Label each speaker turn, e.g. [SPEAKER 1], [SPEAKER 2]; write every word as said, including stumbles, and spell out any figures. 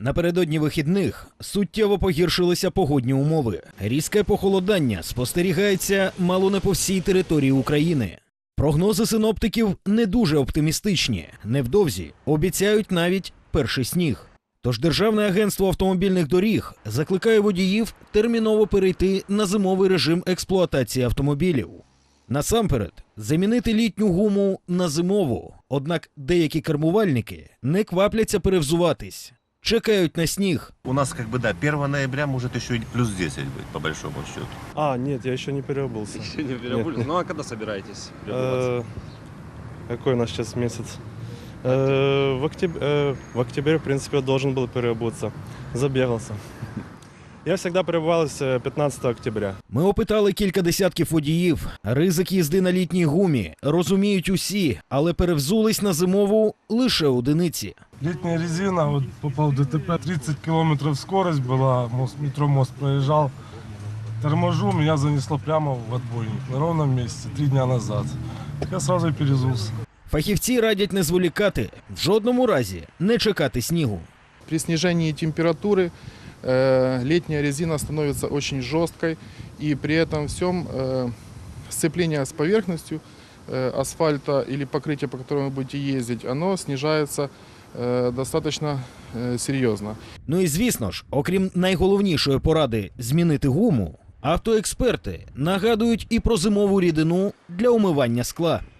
[SPEAKER 1] Напередодні вихідних суттєво погіршилися погодні умови. Різке похолодання спостерігається мало не по всій території України. Прогнози синоптиків не дуже оптимістичні. Невдовзі обіцяють навіть перший сніг. Тож Державне агентство автомобільних доріг закликає водіїв терміново перейти на зимовий режим експлуатації автомобілів. Насамперед, замінити літню гуму на зимову. Однак деякі кермувальники не квапляться перевзуватись. Чекають на сніг.
[SPEAKER 2] У нас, как бы, да, первого ноября может еще и плюс десять быть, по большому счету.
[SPEAKER 3] А, нет, я еще не переобулся.
[SPEAKER 4] Еще не переобулись? Ну а когда собираетесь
[SPEAKER 3] Э,
[SPEAKER 4] переобуваться?
[SPEAKER 3] Какой у нас сейчас месяц? Э, В октябре, э, в октябре, в принципе, я должен был переобуться. Забегался. Я всегда переобувался пятнадцатого октября.
[SPEAKER 1] Ми опитали кілька десятків водіїв. Ризик їзди на літній гумі розуміють усі, але перевзулись на зимову лише одиниці.
[SPEAKER 5] Летняя резина, вот попал в ДТП, тридцать километров скорость была, мост, метро мост проезжал. Торможу, меня занесло прямо в отбойник на ровном месте три дня назад. Я сразу и перезулся.
[SPEAKER 1] Фахівці радять не зволікати, в жодному разі не чекати снігу.
[SPEAKER 6] При снижении температуры э, летняя резина становится очень жесткой, и при этом всем э, сцепление с поверхностью э, асфальта или покрытия, по которому вы будете ездить, оно снижается э, достаточно э, серьезно.
[SPEAKER 1] Ну і звісно ж, окрім найголовнішої поради змінити гуму, автоексперти нагадують і про зимову рідину для умивання скла.